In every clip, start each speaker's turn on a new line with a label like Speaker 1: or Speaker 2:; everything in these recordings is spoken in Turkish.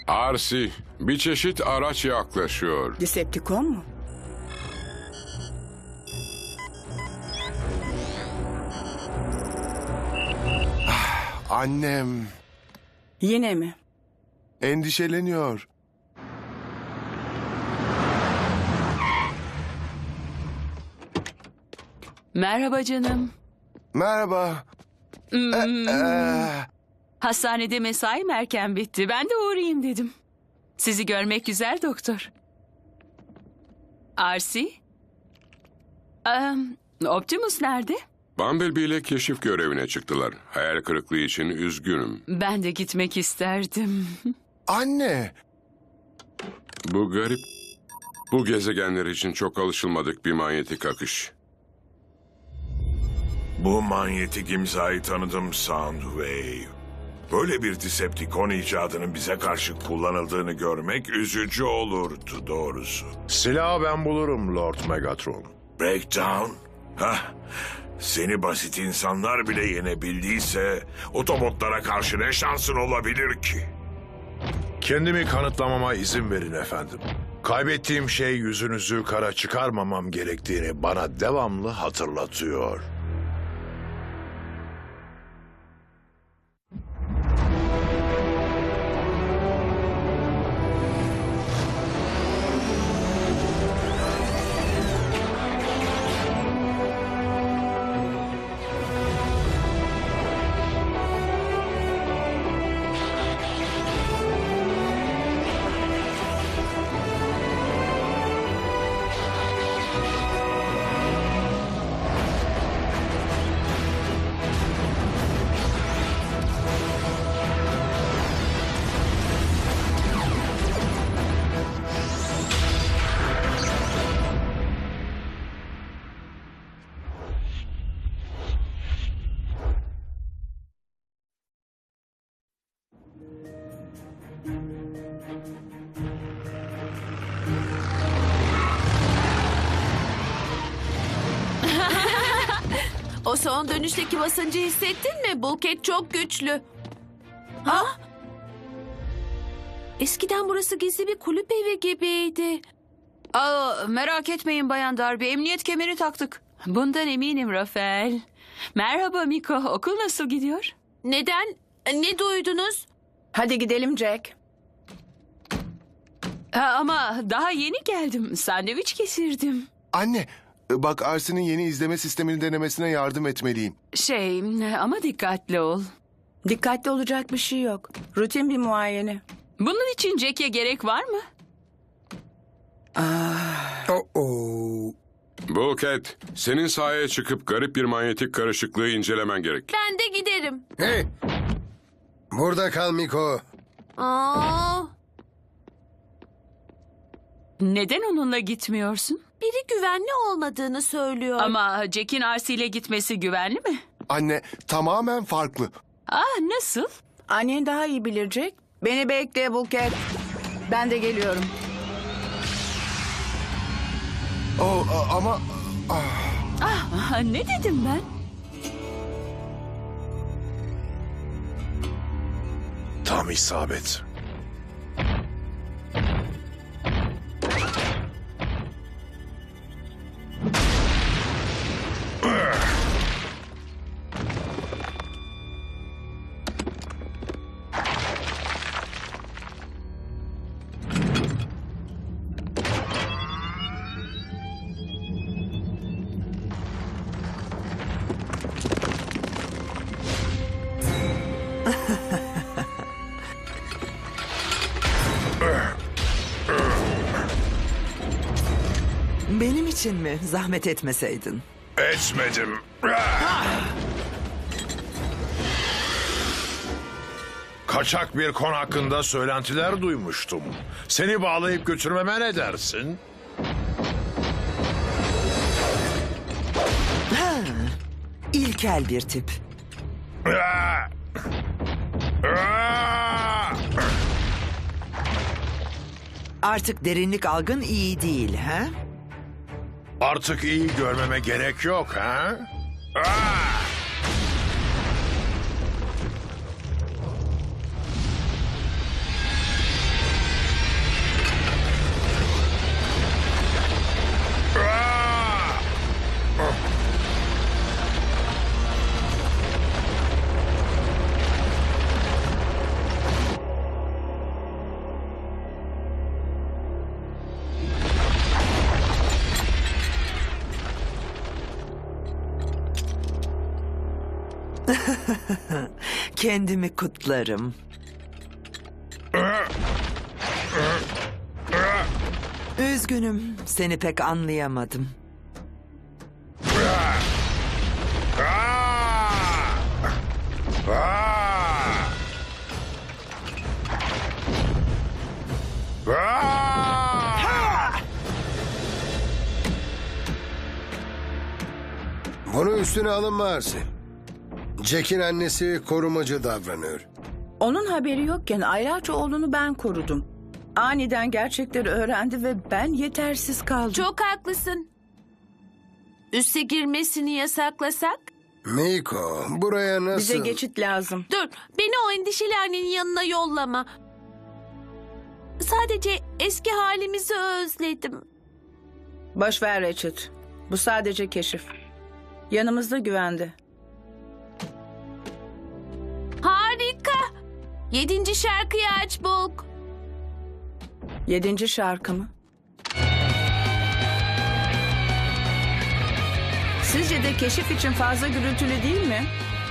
Speaker 1: Arsi, bir çeşit araç yaklaşıyor.
Speaker 2: Decepticon mu?
Speaker 3: Annem
Speaker 2: Yine mi?
Speaker 3: endişeleniyor.
Speaker 4: Merhaba canım.
Speaker 3: Merhaba.
Speaker 4: Hastanede mesaim erken bitti. Ben de uğrayayım dedim. Sizi görmek güzel doktor. Arsi? Optimus nerede?
Speaker 1: Bumblebee ile keşif görevine çıktılar. Hayal kırıklığı için üzgünüm.
Speaker 4: Ben de gitmek isterdim.
Speaker 3: Anne.
Speaker 1: Bu garip. Bu gezegenler için çok alışılmadık bir manyetik akış.
Speaker 5: Bu manyetik imzayı tanıdım Soundwave. Böyle bir Decepticon icadının bize karşı kullanıldığını görmek üzücü olurdu doğrusu.
Speaker 6: Silahı ben bulurum Lord Megatron.
Speaker 5: Breakdown? Hah, seni basit insanlar bile yenebildiyse Autobotlara karşı ne şansın olabilir ki?
Speaker 6: Kendimi kanıtlamama izin verin efendim. Kaybettiğim şey yüzünüzü kara çıkarmamam gerektiğini bana devamlı hatırlatıyor.
Speaker 7: O son dönüşteki basıncı hissettin mi? Bulkhead çok güçlü. Ha? Eskiden burası gizli bir kulüp evi gibiydi.
Speaker 4: Merak etmeyin Bayan Darby. Emniyet kemeri taktık. Bundan eminim Rafael. Merhaba Miko. Okul nasıl gidiyor?
Speaker 7: Neden? Ne duydunuz?
Speaker 2: Hadi gidelim Jack.
Speaker 4: Ama daha yeni geldim. Sandviç kesirdim.
Speaker 3: Anne, bak Arsi'nin yeni izleme sistemini denemesine yardım etmeliyim.
Speaker 4: Ama dikkatli ol.
Speaker 2: Dikkatli olacak bir şey yok. Rutin bir muayene.
Speaker 4: Bunun için Jack'e gerek var mı?
Speaker 1: Bulkhead, senin sahaya çıkıp garip bir manyetik karışıklığı incelemen gerek.
Speaker 7: Ben de giderim.
Speaker 8: Hey! Burada kal Miko.
Speaker 7: Aa,
Speaker 4: Neden onunla gitmiyorsun?
Speaker 7: biri güvenli olmadığını söylüyor.
Speaker 4: Ama Jack'in Arsi ile gitmesi güvenli mi?
Speaker 3: Anne, tamamen farklı.
Speaker 4: Nasıl?
Speaker 2: Annen daha iyi bilir Jack. Beni bekle Bulkhead. Ben de geliyorum.
Speaker 3: Ama
Speaker 4: Ne dedim ben?
Speaker 6: Tam isabet.
Speaker 9: Benim için mi? Zahmet etmeseydin.
Speaker 6: Etmedim. Kaçak bir kon hakkında söylentiler duymuştum. Seni bağlayıp götürmeme ne dersin?
Speaker 9: İlkel bir tip. Artık derinlik algın iyi değil, ha?
Speaker 6: Artık iyi görmeme gerek yok, ha?
Speaker 9: Kendimi kutlarım. Üzgünüm, seni pek anlayamadım.
Speaker 8: Bunu üstüne alınma Arsi. Jack'in annesi korumacı davranıyor.
Speaker 2: Onun haberi yokken aylarca oğlunu ben korudum. Aniden gerçekleri öğrendi ve ben yetersiz kaldım.
Speaker 7: Çok haklısın. Üste girmesini yasaklasak?
Speaker 8: Miko, buraya nasıl...
Speaker 2: Bize geçit lazım.
Speaker 7: Dur, beni o endişeli annenin yanına yollama. Sadece eski halimizi özledim.
Speaker 2: Boş ver Richard. Bu sadece keşif. Yanımızda güvende.
Speaker 7: Harika. 7. şarkıyı aç Bulk.
Speaker 2: 7. şarkı mı? Sizce de keşif için fazla gürültülü değil mi?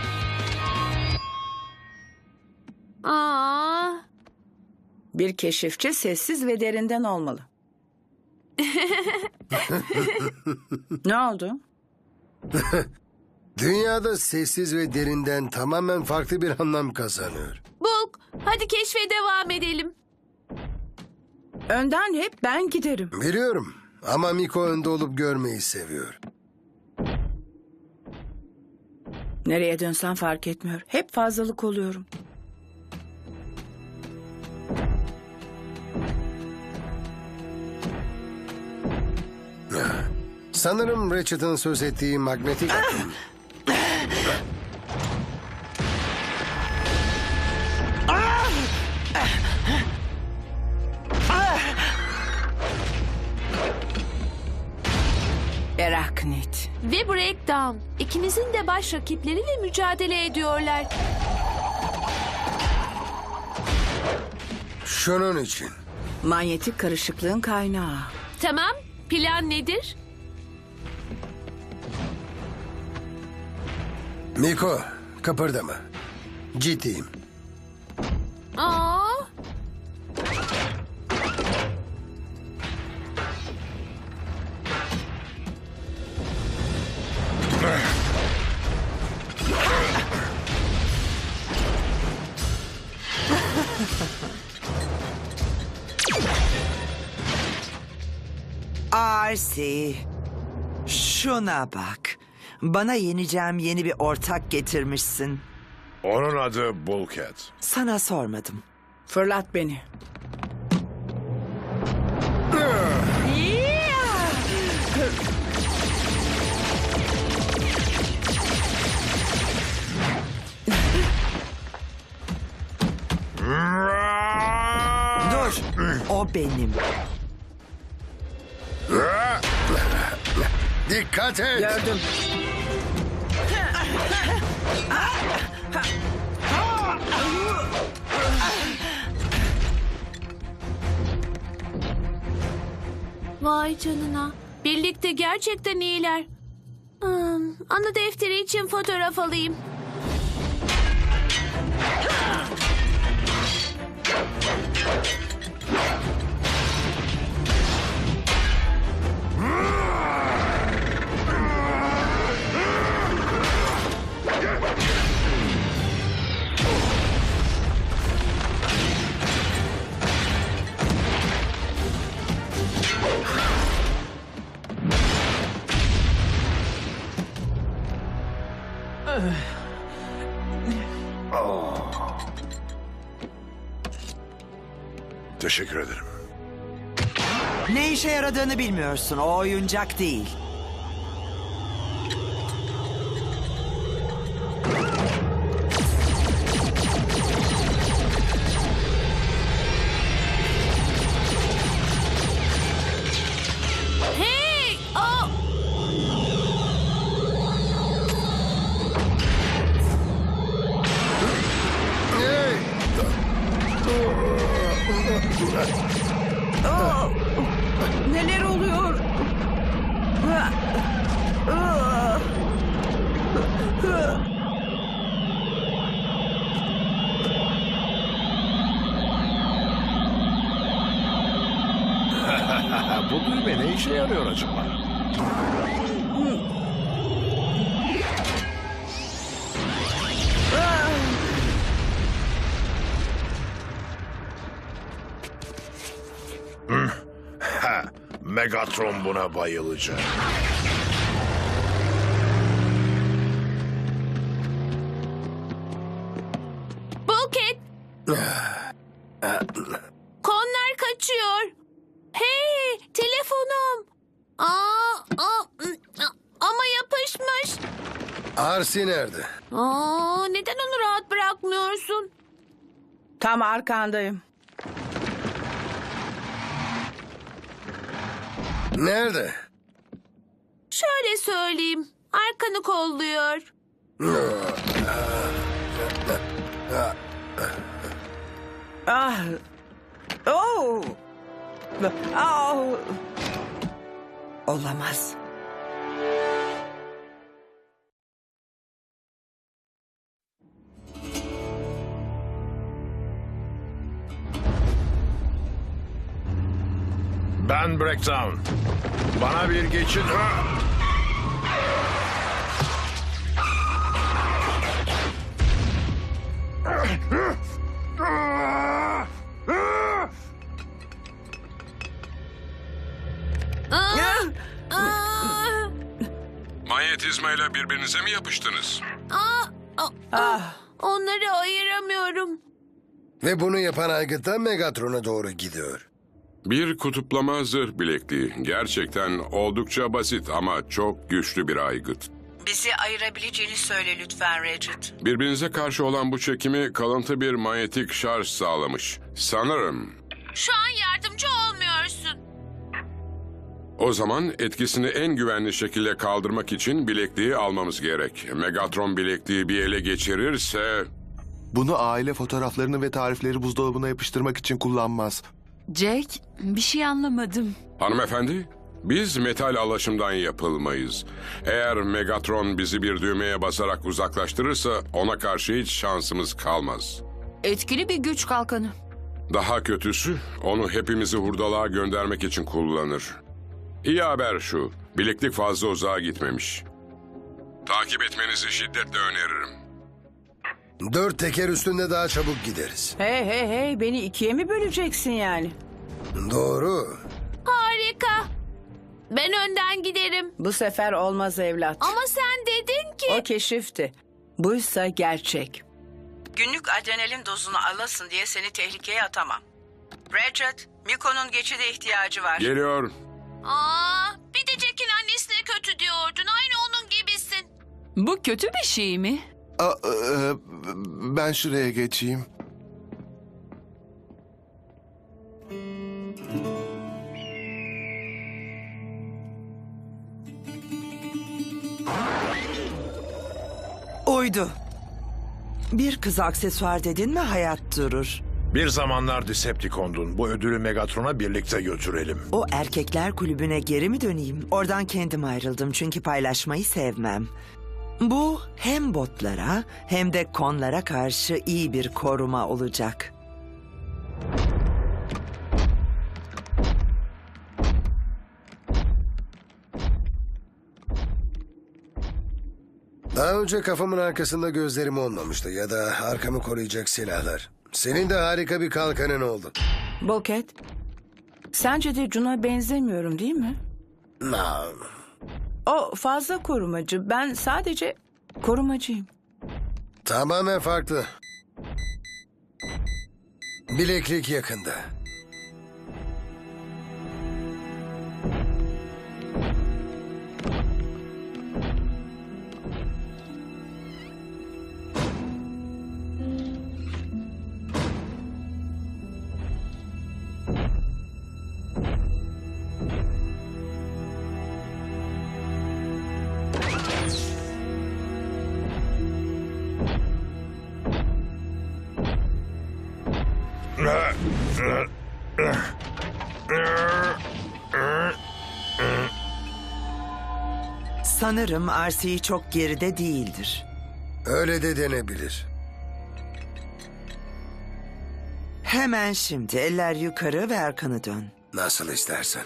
Speaker 7: Aa,
Speaker 2: Bir keşifçi sessiz ve derinden olmalı. Ne oldu?
Speaker 8: Dünyada sessiz ve derinden tamamen farklı bir anlam kazanıyor.
Speaker 7: Bulk, hadi keşfe devam edelim.
Speaker 2: Önden hep ben giderim.
Speaker 8: Biliyorum ama Miko önde olup görmeyi seviyor.
Speaker 2: Nereye dönsem fark etmiyor. Hep fazlalık oluyorum.
Speaker 8: Sanırım Ratchet'ın söz ettiği magnetik akım.
Speaker 2: Eraknit.
Speaker 7: Ve Breakdown. İkimizin de baş rakipleriyle mücadele ediyorlar.
Speaker 8: Şunun için.
Speaker 2: Manyetik karışıklığın kaynağı.
Speaker 7: Tamam, plan nedir?
Speaker 8: Miko, kıpırdama. Ciddiyim.
Speaker 7: Aa,
Speaker 9: Arsi, şuna bak. Bana yeneceğim yeni bir ortak getirmişsin.
Speaker 6: Onun adı Bulkhead.
Speaker 9: Sana sormadım.
Speaker 2: Fırlat beni.
Speaker 9: Dur, o benim.
Speaker 8: Dikkat et.
Speaker 2: Gördüm.
Speaker 7: vay canına. Birlikte gerçekten iyiler. Anı defteri için fotoğraf alayım.
Speaker 6: Teşekkür ederim.
Speaker 9: Ne işe yaradığını bilmiyorsun. O oyuncak değil.
Speaker 7: Hey! Oh!
Speaker 2: Neler oluyor?
Speaker 6: Bu düğme ne işe yarıyor acaba? Megatron buna bayılacak.
Speaker 7: Bulket. Konlar kaçıyor. Hey, telefonum. Ama yapışmış.
Speaker 8: Arsi nerede?
Speaker 7: Neden onu rahat bırakmıyorsun?
Speaker 2: Tam arkandayım.
Speaker 8: Nerede?
Speaker 7: Şöyle söyleyeyim. Arkanı kolluyor.
Speaker 2: Ah. Oh. Oh.
Speaker 9: Olamaz.
Speaker 6: Ben Breakdown. Bana bir geçit...
Speaker 1: Manyetizmayla birbirinize mi yapıştınız?
Speaker 7: Onları ayıramıyorum.
Speaker 8: Ve bunu yapan aygıt da Megatron'a doğru gidiyor.
Speaker 1: Bir kutuplama zırh bilekliği. Gerçekten oldukça basit ama çok güçlü bir aygıt.
Speaker 2: Bizi ayırabileceğini söyle lütfen Regid.
Speaker 1: Birbirinize karşı olan bu çekimi kalıntı bir manyetik şarj sağlamış. Sanırım.
Speaker 7: Şu an yardımcı olmuyorsun.
Speaker 1: O zaman etkisini en güvenli şekilde kaldırmak için bilekliği almamız gerek. Megatron bilekliği bir ele geçirirse...
Speaker 3: Bunu aile fotoğraflarını ve tarifleri buzdolabına yapıştırmak için kullanmaz.
Speaker 4: Jack, bir şey anlamadım.
Speaker 1: Hanımefendi, biz metal alaşımdan yapılmayız. Eğer Megatron bizi bir düğmeye basarak uzaklaştırırsa ona karşı hiç şansımız kalmaz.
Speaker 4: Etkili bir güç kalkanı.
Speaker 1: Daha kötüsü onu hepimizi hurdalığa göndermek için kullanır. İyi haber şu, bileklik fazla uzağa gitmemiş. Takip etmenizi şiddetle öneririm.
Speaker 8: 4 teker üstünde daha çabuk gideriz.
Speaker 2: Hey, beni ikiye mi böleceksin yani?
Speaker 8: Doğru.
Speaker 7: Harika. Ben önden giderim.
Speaker 2: Bu sefer olmaz evlat.
Speaker 7: Ama sen dedin ki...
Speaker 2: O keşifti. Buysa gerçek. Günlük adrenalin dozunu alasın diye seni tehlikeye atamam. Regid, Miko'nun geçide ihtiyacı var.
Speaker 1: Geliyor.
Speaker 7: Bir de Jack'in annesine kötü diyordun. Aynı onun gibisin.
Speaker 4: Bu kötü bir şey mi?
Speaker 3: Ben şuraya geçeyim.
Speaker 9: Uydu. Bir kız aksesuar dedin mi hayat durur.
Speaker 6: Bir zamanlar Decepticon'dun. Bu ödülü Megatron'a birlikte götürelim.
Speaker 9: O erkekler kulübüne geri mi döneyim? Oradan kendim ayrıldım çünkü paylaşmayı sevmem. Bu hem botlara hem de konlara karşı iyi bir koruma olacak.
Speaker 8: Daha önce kafamın arkasında gözlerim olmamıştı ya da arkamı koruyacak silahlar. Senin de harika bir kalkanın oldu.
Speaker 2: Bulket, sence de Jun'a benzemiyorum değil mi?
Speaker 8: No.
Speaker 2: O fazla korumacı. Ben sadece korumacıyım.
Speaker 8: Tamamen farklı. Bileklik yakında.
Speaker 9: Sanırım RC çok geride değildir.
Speaker 8: Öyle de denebilir.
Speaker 9: Hemen şimdi eller yukarı ve arkanı dön.
Speaker 8: Nasıl istersen.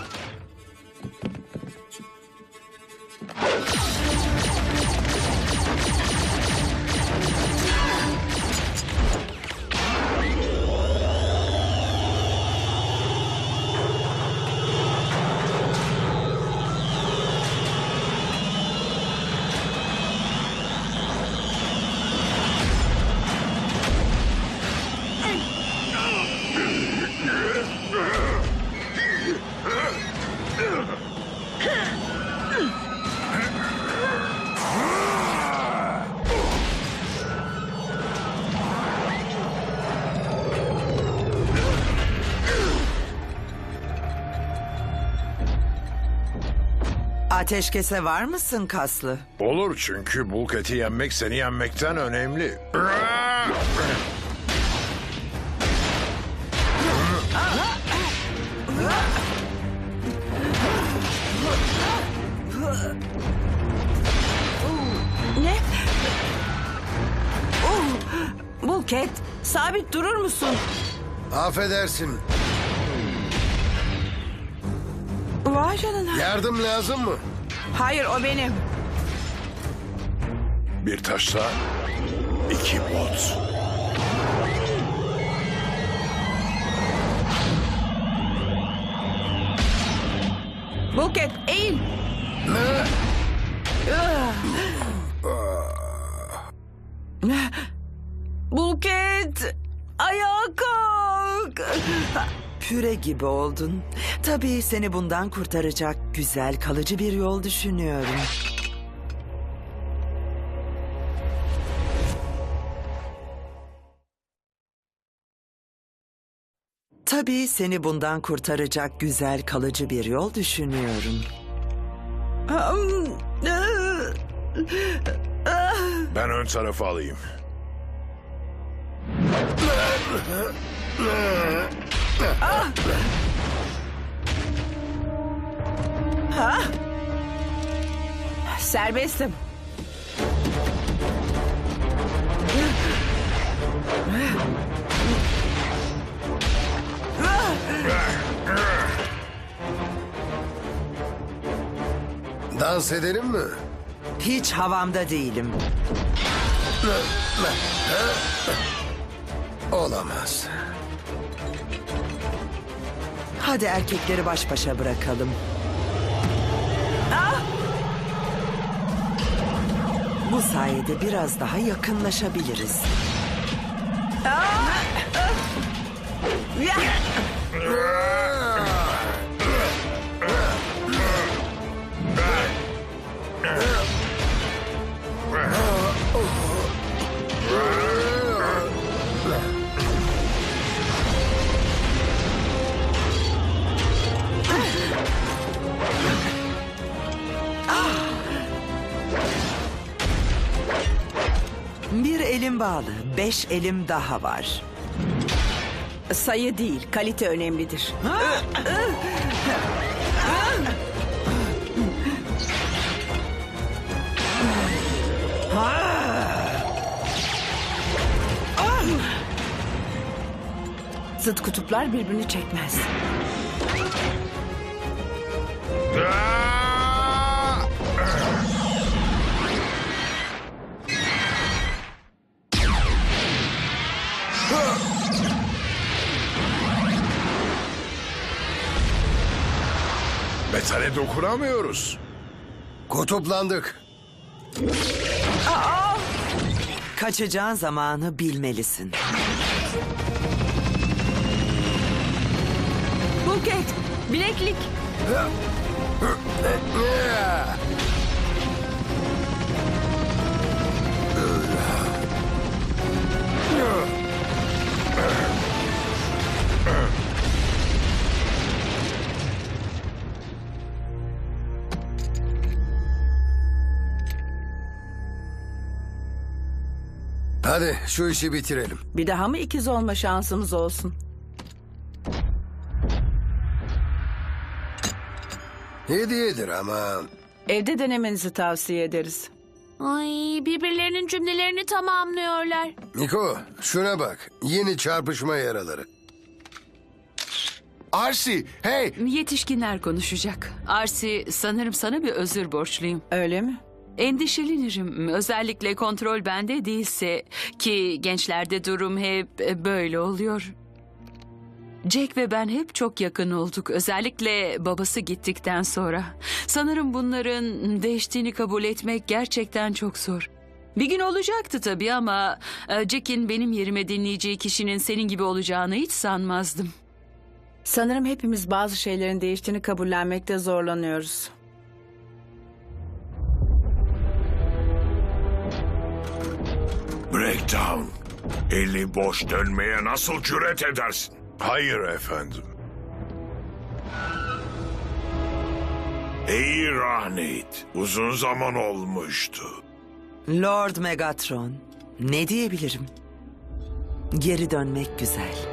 Speaker 9: Ateşkese var mısın kaslı?
Speaker 6: Olur çünkü Bulket'i yenmek seni yenmekten önemli.
Speaker 2: Ne? Bulket, sabit durur musun?
Speaker 8: Affedersin.
Speaker 2: Vay canına.
Speaker 8: Yardım lazım mı?
Speaker 2: Hayır, o benim.
Speaker 6: Bir taşla 2 bot.
Speaker 2: Bulket, eğil. Bulket, ayağa kalk.
Speaker 9: Püre gibi oldun. Tabii seni bundan kurtaracak güzel kalıcı bir yol düşünüyorum. Tabii seni bundan kurtaracak güzel kalıcı bir yol düşünüyorum.
Speaker 6: Ben ön tarafı alayım.
Speaker 2: Serbestim.
Speaker 8: Dans edelim mi?
Speaker 9: Hiç havamda değilim.
Speaker 8: Olamaz.
Speaker 9: Hadi erkekleri baş başa bırakalım. Bu sayede biraz daha yakınlaşabiliriz. Bir elim bağlı, 5 elim daha var.
Speaker 2: Sayı değil, kalite önemlidir. Zıt kutuplar birbirini çekmez.
Speaker 6: Metale dokunamıyoruz.
Speaker 8: Kutuplandık.
Speaker 9: Kaçacağın zamanı bilmelisin.
Speaker 2: Bulket, bileklik.
Speaker 8: Hadi şu işi bitirelim.
Speaker 2: Bir daha mı ikiz olma şansımız olsun?
Speaker 8: Hediyedir ama...
Speaker 2: Evde denemenizi tavsiye ederiz.
Speaker 7: Ay, birbirlerinin cümlelerini tamamlıyorlar.
Speaker 8: Niko, şuna bak. Yeni çarpışma yaraları.
Speaker 3: Arsi, hey!
Speaker 4: Yetişkinler konuşacak. Arsi, sanırım sana bir özür borçluyum.
Speaker 2: Öyle mi?
Speaker 4: Endişelenirim. Özellikle kontrol bende değilse, ki gençlerde durum hep böyle oluyor. Jack ve ben hep çok yakın olduk. Özellikle babası gittikten sonra. Sanırım bunların değiştiğini kabul etmek gerçekten çok zor. Bir gün olacaktı tabii ama Jack'in benim yerime dinleyeceği kişinin senin gibi olacağını hiç sanmazdım.
Speaker 2: Sanırım hepimiz bazı şeylerin değiştiğini kabullenmekte zorlanıyoruz.
Speaker 5: Breakdown. Eli boş dönmeye nasıl cüret edersin?
Speaker 6: Hayır efendim.
Speaker 5: Ey Rahnit, uzun zaman olmuştu.
Speaker 9: Lord Megatron, ne diyebilirim? Geri dönmek güzel.